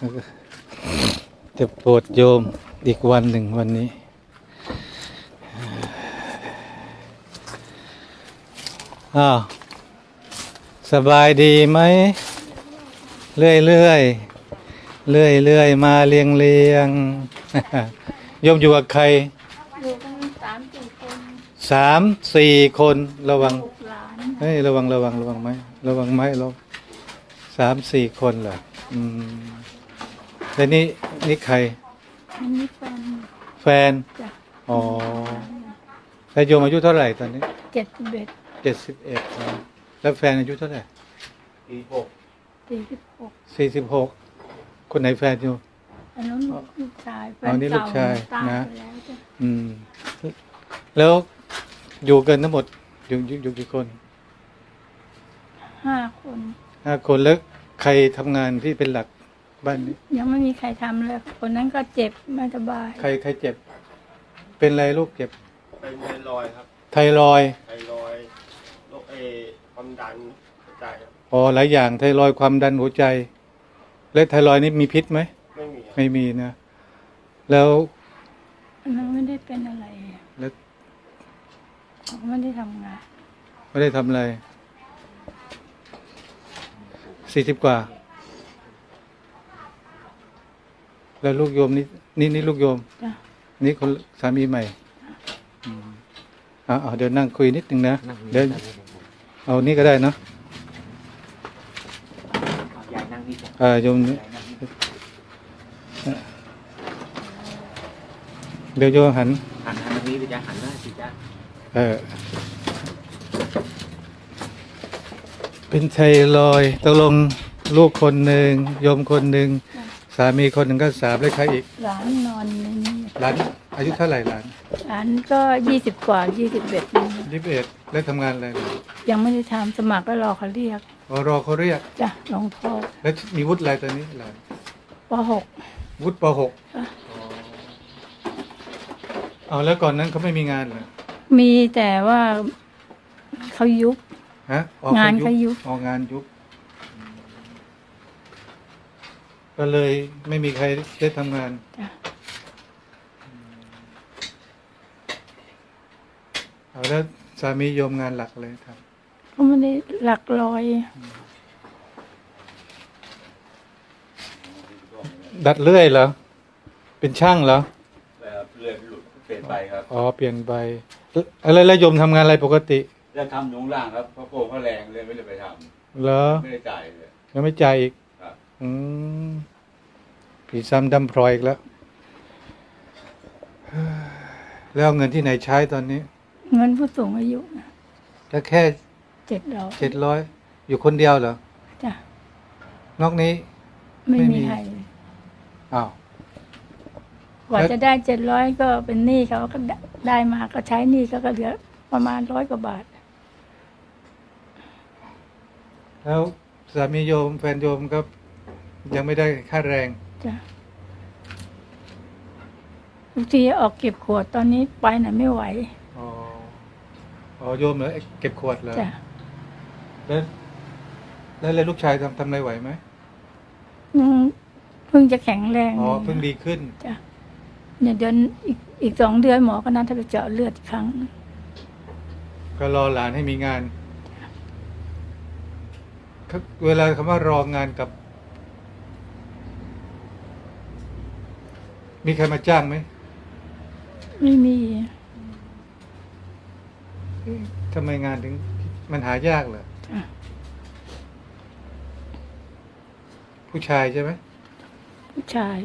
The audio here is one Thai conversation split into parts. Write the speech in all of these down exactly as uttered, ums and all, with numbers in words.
จะโปรดโยมอีกวันหนึ่งวันนี้อ้าวสบายดีไหมเรื่อยเรื่อยเรื่อยเรื่อยมาเรียงเรียงโยมอยู่กับใครอยู่กันสามสี่คนสามสี่คนระวังลูกหลานเฮ้ยระวังระวังระวังไหมระวังไหมเราสามสี่คนเหรออืมแล้วนี่นี่ใครอันนี้เป็นแฟนจ้ะอ๋อแล้วโยมอายุเท่าไหร่ตอนนี้เจ็ดสิบเอ็ดเจ็ดสิบเอ็ดแล้วแฟนอายุเท่าไหร่สี่หกสี่สิบหกสี่สิบหกคนไหนแฟนอยู่อันนั้นลูกชายแฟอ๋อน นี่ลูเก่ากชายตายนะไปแล้วจ้ะอืมแล้วอยู่กันทั้งหมดอยู่อยู่อยู่กี่คนห้าคนห้าคนแล้วใครทำงานที่เป็นหลักบ้านนี้ยังไม่มีใครทำเลยคนนั้นก็เจ็บไม่สบายใครใครเจ็บ เป็นอะไรลูกเจ็บเป็นไทรอยด์ครับไทรอยด์ไทรอยด์โรคเอความดันหัวใจครับอ๋อหลายอย่างไทรอยด์ความดันหัวใจ และไทรอยด์นี่มีพิษไหมไม่มีครับไม่มีนะ แล้วอันนั้นไม่ได้เป็นอะไรแล้วเขาไม่ได้ทำงานไม่ได้ทำอะไรสี่สิบกว่า แล้วลูกโยมนี่นี่นี่ลูกโยมจ้ะนี่คนสามีใหม่อืมอ่าเดี๋ยวนั่งคุยนิดนึงนะเดี๋ยวเอานี่ก็ได้เนาะยายนั่งนี่จ้ะอ่าโยมนี่ยายนั่งนี่เดี๋ยวโยมหันหันหันทางนี้เลยจ้ะหันหน้าสิจ้ะเออเป็นไทรอยด์ตกลงลูกคนหนึ่งโยมคนหนึ่งสามีคนหนึ่งก็สามแล้วใครอีกหลานนอนในนี้หลานอายุเท่าไหร่หลานหลานก็ยี่สิบกว่ายี่สิบเอ็ดนี่ยี่สิบเอ็ดแล้วทำงานอะไรหลานยังไม่ได้ทำสมัครก็รอเขาเรียกอ๋อรอเขาเรียกจ้ะหลวงพ่อแล้วมีวุฒิอะไรตอนนี้หลานปหกวุฒิปหกอ่ะอ๋อแล้วก่อนนั้นเขาไม่มีงานเหรอมีแต่ว่าเขายุบฮะอ๋องานเขายุบอ๋องานยุบก็เลยไม่มีใครได้ทำงานจ้ะเอาแล้วสามีโยมงานหลักเลยครับเขาไม่ได้หลักร้อยดัดเลื่อยเหรอเป็นช่างเหรอแบบเลือดหลุดเปลี่ยนไปครับอ๋อเปลี่ยนไปอะไรแล้วโยมทำงานอะไรปกติจะทำหนุงล่างครับเพราะโกงเขาแรงเลยไม่ได้ไปทเหรอำไม่ได้จ่ายเลยยังไม่จ่ายอีกครับอืมผีซ้ำดำพลอยอีกแล้วเฮ้ยแล้วเอาเงินที่ไหนใช้ตอนนี้เงินผู้สูงอายุก็แค่เจ็ดร้อยเจ็ดร้อยอยู่คนเดียวเหรอจ้ะนอกนี้ไม่ไม่มีมีใครอ้าวกว่าแล้วจะได้เจ็ดร้อยก็เป็นหนี้เขาก็ได้ได้มาก็ใช้หนี้ก็เหลือประมาณร้อยกว่าบาทแล้วสามีโยมแฟนโยมก็ยังไม่ได้ค่าแรงจ้ะบางทีออกเก็บขวดตอนนี้ไปไหนไม่ไหวอ๋ออ๋อโยมเหรอเก็บขวดเหรอจ้ะแล้วแล้วแล้วลูกชายทำทำอะไรไหวไหมอืมเพิ่งจะแข็งแรงอ๋อเพิ่งดีขึ้นจ้ะเนี่ยเดือนอีกอีกสองเดือนหมอก็นัดให้ไปเจาะเลือดอีกครั้งก็รอหลานให้มีงานครับเวลาคำว่ารองานกับ มีใครมาจ้างไหมไม่มีเอ๊ะทำไมงานถึงมันหายากเหรอจ้ะผู้ชายใช่ไหมผู้ชาย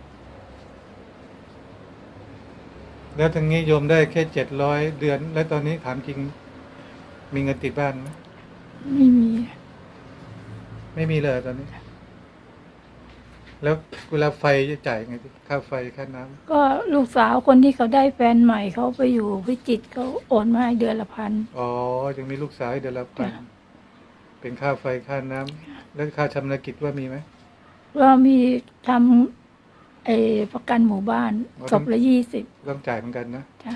แล้วทางนี้โยมได้แค่เจ็ดร้อยเดือน แล้วตอนนี้ถามจริง มีเงินติดบ้านไหมไม่มีไม่มีเลยตอนนี้ แล้วเวลาไฟจะจ่ายไงค่าไฟค่าน้ำก็ลูกสาวคนที่เขาได้แฟนใหม่เขาไปอยู่พิจิตรเขาโอนมาให้เดือนละพันอ๋อยังมีลูกสาวให้เดือนละพันจ้ะเป็นค่าไฟค่าน้ำแล้วค่าชำระกิจว่ามีไหมก็มีทำไอ้ประกันหมู่บ้านอ๋อศพละยี่สิบต้องจ่ายเหมือนกันนะจ้ะ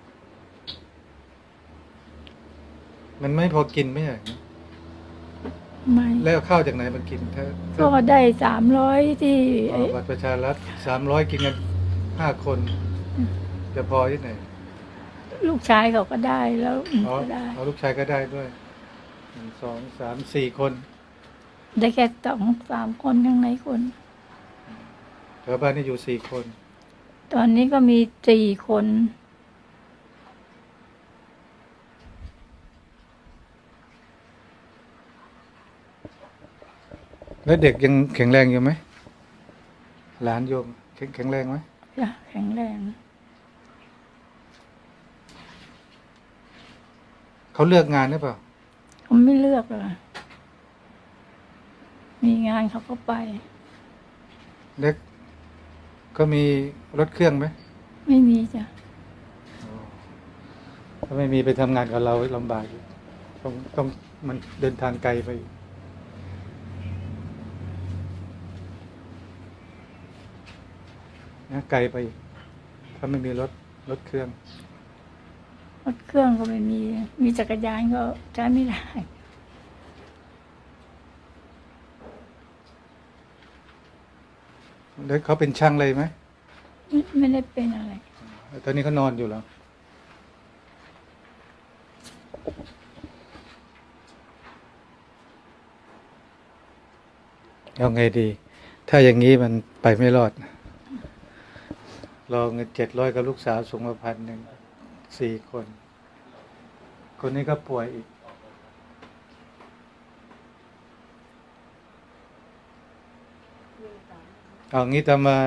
มันไม่พอกินไม่ใช่เหรอไม่แล้วเอาข้าวจากไหนมากินถ้าก็ได้สามร้อยที่อ๋อบัตรประชารัฐสามร้อยกินกันห้าคนจะพอที่ไหนลูกชายเขาก็ได้แล้วหนูอ๋อก็ได้เอาลูกชายก็ได้ด้วยหนึ่งสองสามสี่คนได้แค่สองสามคนข้างในคนแถวบ้านนี่อยู่สี่คนตอนนี้ก็มีสี่คนแล้วเด็กยังแข็งแรงอยู่ไหมหลานโยมแข็งแข็งแรงไหมจ้ะแข็งแรงเขาเลือกงานหรือเปล่าเขาไม่เลือกเลยมีงานเขาก็ไปเด็กก็มีรถเครื่องไหมไม่มีจ้ะถ้าไม่มีไปทำงานกับเราลำบากอยู่ต้องต้องมันเดินทางไกลไปนะไกลไปอีกถ้าไม่มีรถรถเครื่องรถเครื่องก็ไม่มี มีจักรยานก็ใช้ไม่ได้แล้วเขาเป็นช่างเลยไหมไม่ไม่ได้เป็นอะไรตอนนี้เขานอนอยู่แล้วเอาไงดี ถ้าอย่างนี้มันไปไม่รอดรอเงินเจ็ดร้อยกับลูกสาวสูงมาพันหนึ่งสี่คน คนนี้ก็ป่วยอีก เอางี้ตามมา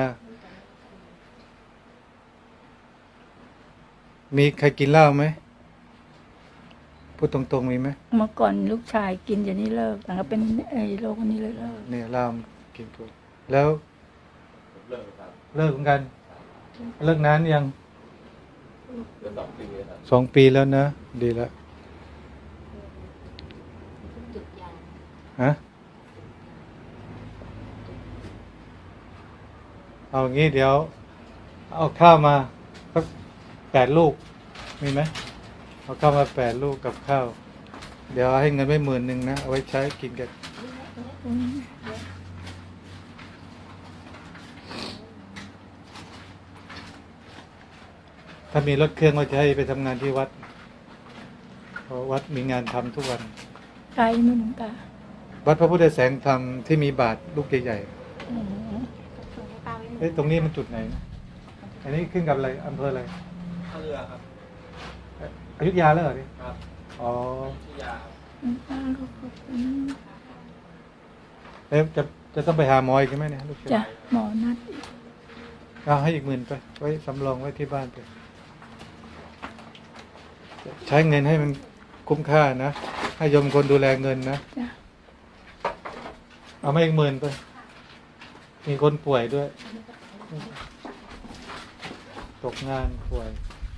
มีใครกินเหล้าไหม พูดตรงๆมีไหมเมื่อก่อนลูกชายกินอย่างนี้เลิกแต่ก็เป็นไอ้โรคนี้เลยเลิกเนี่ยเหล้ามันกินตัวแล้วเลิกครับเลิกเหมือนกัน เลิกนานยังเดือนสองปีครับสองปีแล้วนะ ดีแล้วฮะ เอางี้เดี๋ยว เอาข้าวมาสักแปดลูก มีไหม เอาข้าวมาแปดลูกกับข้าว เดี๋ยวให้เงินไว้หมื่นหนึ่งนะ เอาไว้ใช้กินกัน ถ้ามีรถเครื่องก็จะให้ไปทำงานที่วัด เพราะวัดมีงานทำทุกวันไกลไม่หลวงตาวัดพระพุทธแสงธรรมที่มีบาทลูกใหญ่อ๋อๆเอ้ยตรงนี้มันจุดไหนนะอันนี้ขึ้นกับอะไรอำเภออะไรท่าเรือครับอยุธยาแล้วเหรอนี่ครับอ๋อที่ยาครับหลวงตาก็ขอบคุณแล้วจะจะต้องไปหาหมออีกใช่ไหมเนี่ยลูกชายจ้ะหมอนัดเอาให้อีกหมื่นไป ไว้สำรองไว้ที่บ้านไป ใช้เงินให้มันคุ้มค่านะ ให้โยมคนดูแลเงินนะจ้ะเอามาอีกหมื่นไป มีคนป่วยด้วย ตกงานป่วย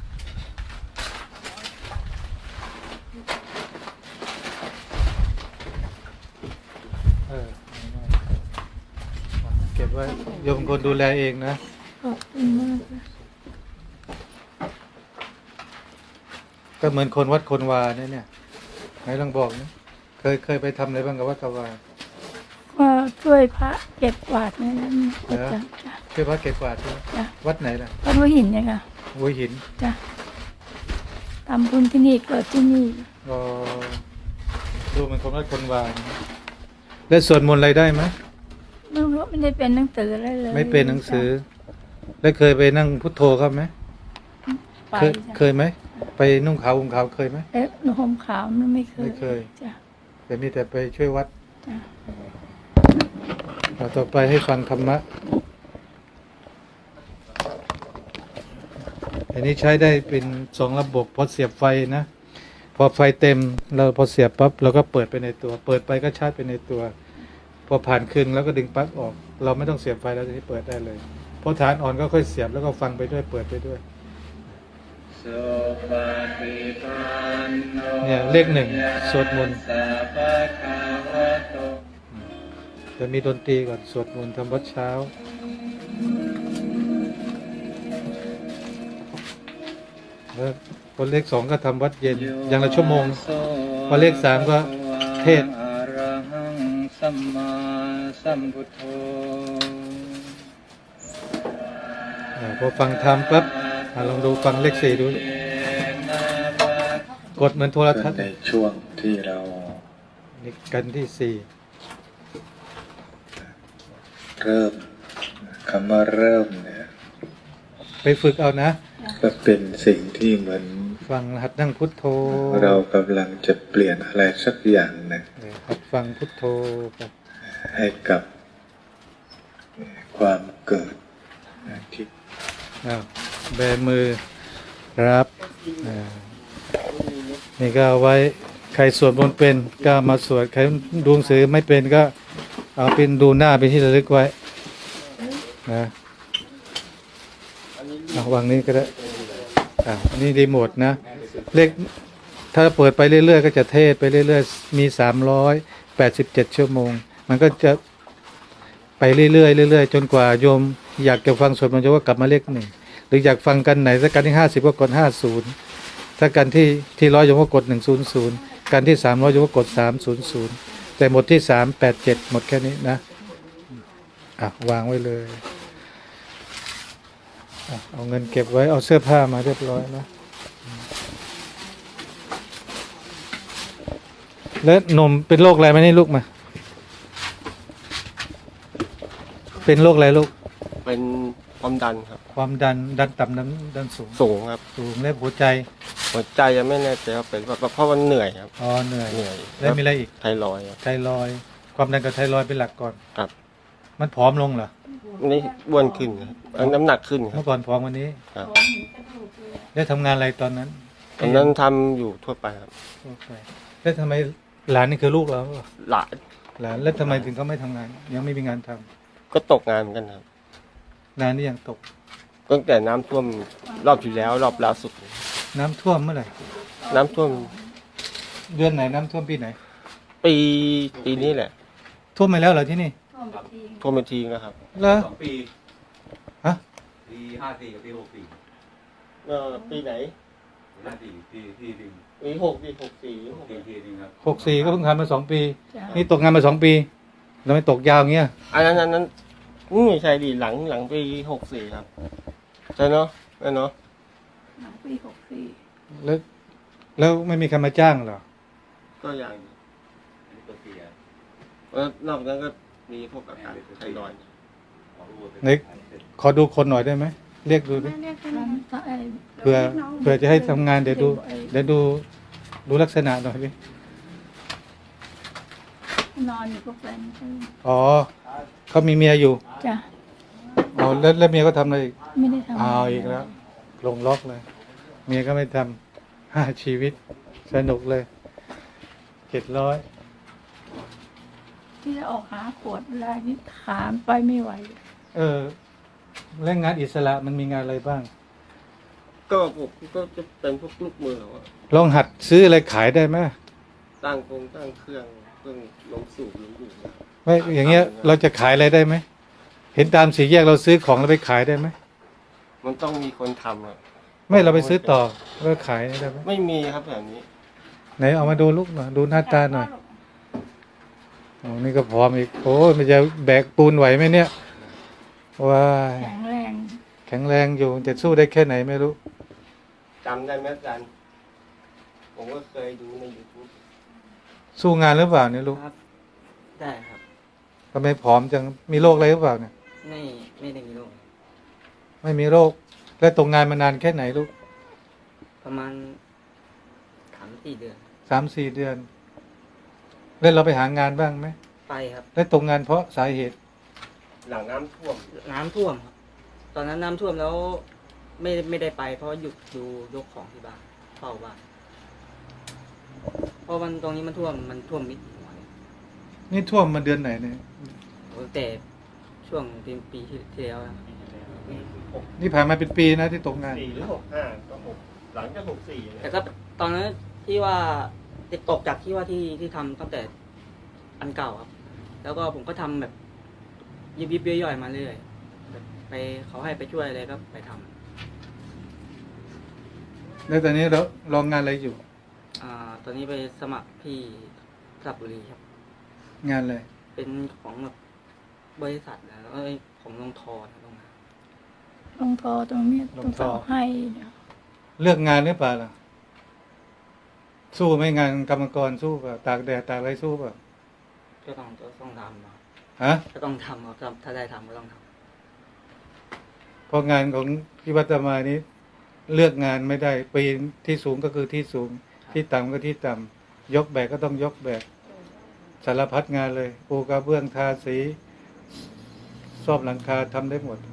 เออเก็บไว้โยมคนดูแลเองนะขอบคุณมากค่ะก็เหมือนคนวัดคนวาเนี่ยเนี่ยไหนลองบอกนะเคยเคยไปทำอะไรบ้างกับวัดกับวาก็ช่วยพระเก็บกวาดเนี่ยนะเหรอจ้ะจ้ะช่วยวัดเก็บกวาดด้วยจ้ะวัดไหนล่ะวัดหัวหินเนี่ยค่ะหัวหินจ้ะทำบุญที่นี่เกิดที่นี่ก็ดูเหมือนคนวัดคนวานะแล้วสวดมนต์อะไรได้ไหมไม่รู้ไม่ได้เป็นหนังสืออะไรเลยไม่เป็นหนังสือ แล้วเคยไปนั่งพุทโธครับไหมไปเคยจ้ะเคยไหมไปนุ่งขาวห่มขาวเคยไหมเอ๊ะหนูห่มขาวมันไม่เคยไม่เคยจ้ะแต่มีแต่ไปช่วยวัดจ้ะเอาต่อไปให้ฟังธรรมะ อันนี้ใช้ได้เป็นสองระบบพอเสียบไฟนะ พอไฟเต็มเราพอเสียบปั๊บเราก็เปิดไปในตัว เปิดไปก็ชาร์จไปในตัว พอผ่านครึ่งแล้วก็ดึงปลั๊กออก เราไม่ต้องเสียบไฟแล้วทีนี้เปิดได้เลยพอฐานอ่อนก็ค่อยเสียบแล้วก็ฟังไปด้วยเปิดไปด้วย เนี่ยเลขหนึ่งสวดมนต์จะมีดนตรีก่อนสวดมนต์ทำวัดเช้าแล้วพอเลขสองก็ทำวัดเย็นอย่างละชั่วโมงพอเลขสามก็เทศน์สัมมาสัมพุทโธอ่าพอฟังธรรมปั๊บอ่าลองดูฟังเลขสี่ดูกดเหมือนโทรทัศน์ในช่วงที่เรานี่กันที่สี่เริ่มคำว่าเริ่มเนี่ยไปฝึกเอานะก็เป็นสิ่งที่เหมือนฟังหัดนั่งพุทโธเรากำลังจะเปลี่ยนอะไรสักอย่างหนึ่งเออหัดฟังพุทโธไปให้กับความเกิดที่อ้าวแบมือรับอ่านี่ก็เอาไว้ใครสวดมนต์เป็นก็มาสวดใครดูหนังสือไม่เป็นก็เอาเป็นดูหน้าเป็นที่ระลึกไว้นะเอาวางนี้ก็ได้อ่าอันนี้รีโมทนะเลขถ้าเปิดไปเรื่อยๆก็จะเทศไปเรื่อยๆมีสามร้อยแปดสิบเจ็ดชั่วโมงมันก็จะไปเรื่อยๆเรื่อยๆจนกว่าโยมอยากจะฟังสวดมันต์จะว่ากลับมาเลขหนึ่งหรืออยากฟังกันไหนสักกันที่ห้าสิบก็กดห้าศูนย์ถ้ากันที่ที่ร้อยโยมก็กดหนึ่งศูนย์ศูนย์กันที่สามร้อยโยมก็กดสามศูนย์ศูนย์แต่หมดที่สามแปดเจ็ดหมดแค่นี้นะอ่ะวางไว้เลยอ่ะเอาเงินเก็บไว้เอาเสื้อผ้ามาเรียบร้อยนะแล้วหนมเป็นโรคอะไรไหมนี่ลูกมาเป็นโรคอะไรลูกเป็นความดันครับความดันดันต่ำดันดันสูงสูงครับสูงและหัวใจหัวใจยังไม่แน่ใจว่าเป็นแบบเพราะมันเหนื่อยครับอ๋อเหนื่อยเหนื่อยแล้วมีอะไรอีกไทรอยด์ครับไทรอยด์ความดันกับไทรอยด์เป็นหลักก่อนครับมันผอมลงเหรอนี่อ้วนขึ้นครับเอ้ยน้ำหนักขึ้นครัเมื่บอก่อนผอมวันนี้ครับได้ทำงานอะไรตอนนั้นตอนนั้นทำอยู่ทั่วไปครับโอเคแล้วทำไมหลานนี่คือลูกเราเหรอหลายหลานแล้วทำไมถึงเขาไม่ทำงาน ยังไม่มีงานทำก็ตกงานเหมือนกันครับนานนี่ยังตกตั้งแต่น้ำท่วมรอบที่แล้วรอบล่าสุดน้ำท่วมเมื่อไหร่น้ำท่วมเดือนไหนน้ำท่วมปีไหนปีปีนี้แหละท่วมไปแล้วเหรอที่นี่ท่วมไปทีแล้วครับเหรอสองปีฮะปีห้าสี่กับปีหกสี่เออปีไหนห้าสี่ปีที่หนึ่งปีหกปีหกสี่หกปีที่หนึ่งครับหกสี่ก็เพิ่งทำมาสองปีจ้ะนี่ตกงานมาสองปีแล้วไม่ตกยาวอย่างเงี้ยอันนั้นอันนั้นอืมไม่ใช่ดิหลังหลังปีหกสี่ครับใช่เนาะใช่เนาะหลังปีหกสี่แล้วแล้วไม่มีใครมาจ้างเหรอก็อย่างอันนี้ตัวเสียแล้วนอกนั้นก็มีพวกอาการไทรอยด์ออกรูปไหนขอดูคนหน่อยได้ไหมเรียกดูดิมันไอ้เผื่อเผื่อจะให้ทำงานเดี๋ยวดูเดี๋ยวดูดูลักษณะหน่อยดินอนอยู่กับแฟนเขาอ๋อเขามีเมียอยู่จ้ะอ๋อแล้วแล้วเมียก็ทำอะไรอีกไม่ได้ทำเอาอีกแล้วลงล็อกเลย เมียก็ไม่ทำห้าชีวิตสนุกเลยเจ็ดร้อยที่จะออกหาขวดเวลานี่ขามไปไม่ไหวเออแรงงานอิสระมันมีงานอะไรบ้างก็พวกก็จะเป็นพวกลูกมืออะลองหัดซื้ออะไรขายได้ไหมตั้งโครงตั้งเครื่องเครื่องลงสูบลงดูดนะไม่อย่างเงี้ยเราจะขายอะไรได้ไหมเห็นตามสี่แยกเราซื้อของเราไปขายได้ไหมมันต้องมีคนทำอะไม่เราไปซื้อต่อแล้วขายได้ไหมไม่มีครับแบบนี้ไหนเอามาดูลูกหน่อยดูหน้าตาหน่อยโอ้นี่ก็พร้อมอีกโอ้ยมันจะแบกปูนไหวไหมเนี่ยว้ายแข็งแรงแข็งแรงอยู่จะสู้ได้แค่ไหนไม่รู้จำได้ไหมอาจารย์ผมก็เคยดูใน YouTube สู้งานหรือเปล่าเนี่ยลูกครับ ได้ครับทำไมผอมจังมีโรคอะไรหรือเปล่าเนี่ยไม่ไม่ได้มีโรคไม่มีโรคแล้วตกงานมานานแค่ไหนลูกประมาณสามสี่เดือนสามสี่เดือน แล้วเราไปหางานบ้างไหมไปครับแล้วตกงานเพราะสาเหตุหลังน้ำท่วมน้ำท่วมครับ ตอนนั้นน้ำท่วมแล้ว ไม่ไม่ได้ไป เพราะหยุดดูยกของที่บ้านเฝ้าบ้านเพราะมันตรงนี้มันท่วมมันท่วมมิดหัวเลยนี่ท่วมมาเดือนไหนเนี่ยโอ้แต่ช่วงปีปีที่ที่แล้วนะนี่ผ่านมาเป็นปีนะที่ตกงานสี่หรือหกห้าก็หกหลังจากหกสี่เนี่ยแต่ก็ตอนนั้นที่ว่าติดตกจากที่ว่าที่ที่ทำตั้งแต่อันเก่าครับ แล้วก็ผมก็ทำแบบยิบยิบย่อยๆมาเรื่อยแบบไปเขาให้ไปช่วยอะไรก็ไปทำแล้วตอนนี้เราลองงานอะไรอยู่อ่าตอนนี้ไปสมัครที่สระบุรีครับงานอะไรเป็นของแบบบริษัทนะแล้วก็ผมลงทอนะตรงนั้นลงทอตรงเนี้ยลต้อง งทอสอบให้เดี๋ยวเลือกงานหรือเปล่าล่ะ สู้ไหม่งานกรรมกรสู้เปล่าตากแดดตากอะไรสู้เปล่าก็ต้องก็ต้องทำครับฮะก็ต้องทำครับถ้าได้ทำก็ต้องทเพราะงานของที่วัดอาตมานี้ เลือกงานไม่ได้ปีนที่สูงก็คือที่สูง ที่ต่ำก็ที่ต่ำยกแบกก็ต้องยกแบกสารพัดงานเลยปูกระเบื้องทาสีซ่อมหลังคาทำได้หมด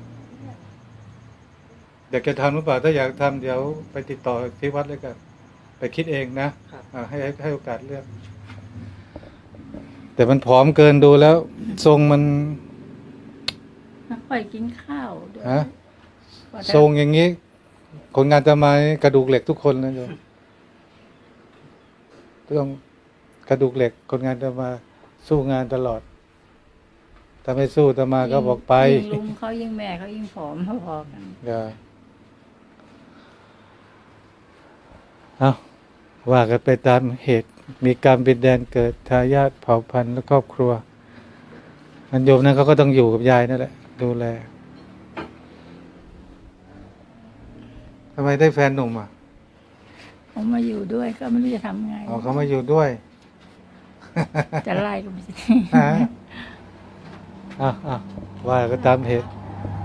อยากจะทำหรือเปล่าถ้าอยากทำเดี๋ยวไปติดต่อที่วัดเลยกันไปคิดเองนะครับ อ่าให้ให้ให้โอกาสเลือก แต่มันผอมเกินดูแล้ว ทรงมันไม่ค่อยกินข้าวด้วยฮะกว่าจะทรงอย่างนี้ คนงานจะมากระดูกเหล็กทุกคนนะโยมต้องกระดูกเหล็ก คนงานจะมาสู้งานตลอดถ้าไม่สู้จะมาก็บอกไปยิ่งลุงเขายิ่งแม่เขายิ่งผอมพอๆกันอย่าเอาว่ากันไปตามเหตุ มีกรรมเป็นแดนเกิดทายาทเผ่าพันธุ์และครอบครัวอันโยมนั้นเขาก็ต้องอยู่กับยายนั่นแหละ ดูแลทำไมได้แฟนหนุ่มอ่ะผมมาอยู่ด้วยก็ไม่รู้จะทำไงอ๋อเขามาอยู่ด้วยจะไล่ก็ไม่ใช่ฮะอ่ะอ่ะว่าก็ตามเหตุ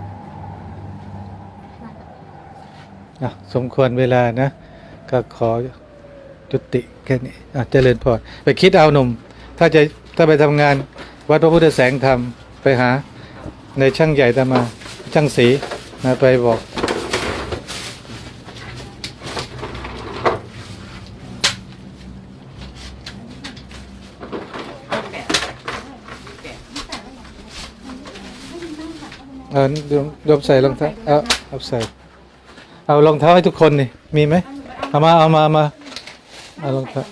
อ่ะสมควรเวลานะ ก็ขอจุติแค่นี้อ่ะเจริญพรไปคิดเอาหนุ่ม ถ้าจะถ้าไปทำงาน วัดพระพุทธแสงธรรมไปหา ในช่างใหญ่ตามมา ช่างสีนะไปบอก เออโยมโยมใส่รองเท้าเอาเอาใส่ เอารองเท้าให้ทุกคนนี่ มีไหมเอามา เอามาเอามาเอารองเท้า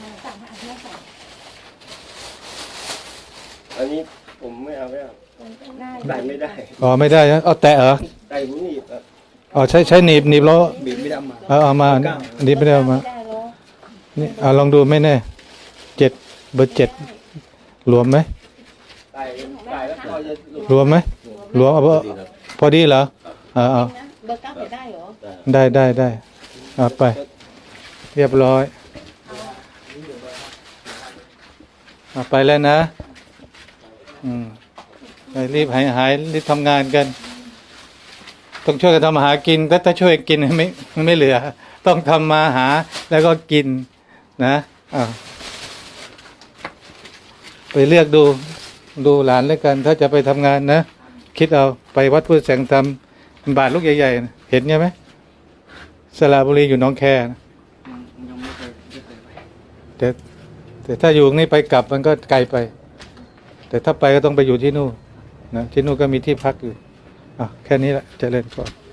อันนี้ผมไม่เอาไม่เอาใส่ไม่ได้อ๋อไม่ได้นะเอาแตะเหรอใส่ผมหนีบครับอ๋อใช้ใช้หนีบหนีบแล้วบีบไม่ได้มาเอาเอามาอันนี้ไม่ได้เอามา นี่เอาลองดูไม่แน่เจ็ดเบอร์เจ็ดรวมไหมใส่ใส่แล้วก็จะหลุดรวมไหมรวมเอาเบอร์พอดีเหรอเอาเอาเบอร์เก้าใส่ได้เหรอได้ได้ได้เอาไป เรียบร้อยเอาไปแล้วนะ อืมไปรีบหายหายรีบทำงานกัน ต้องช่วยกันทำมาหากินถ้าถ้าช่วยกินไม่ไม่เหลือ ต้องทำมาหาแล้วก็กินนะอ่าไปเลือกดูดูหลานแล้วกัน ถ้าจะไปทำงานนะ คิดเอาไปวัดพุทธแสงธรรมบาทลูกใหญ่ๆนะเห็นใช่ไหมสระบุรีอยู่หนองแคนะำยังยังไม่เคยไม่เคยไปแต่แต่ถ้าอยู่นี่ไปกลับมันก็ไกลไป แต่ถ้าไปก็ต้องไปอยู่ที่นู่นนะที่นู่นก็มีที่พักอยู่อ่ะแค่นี้แหละเจริญพร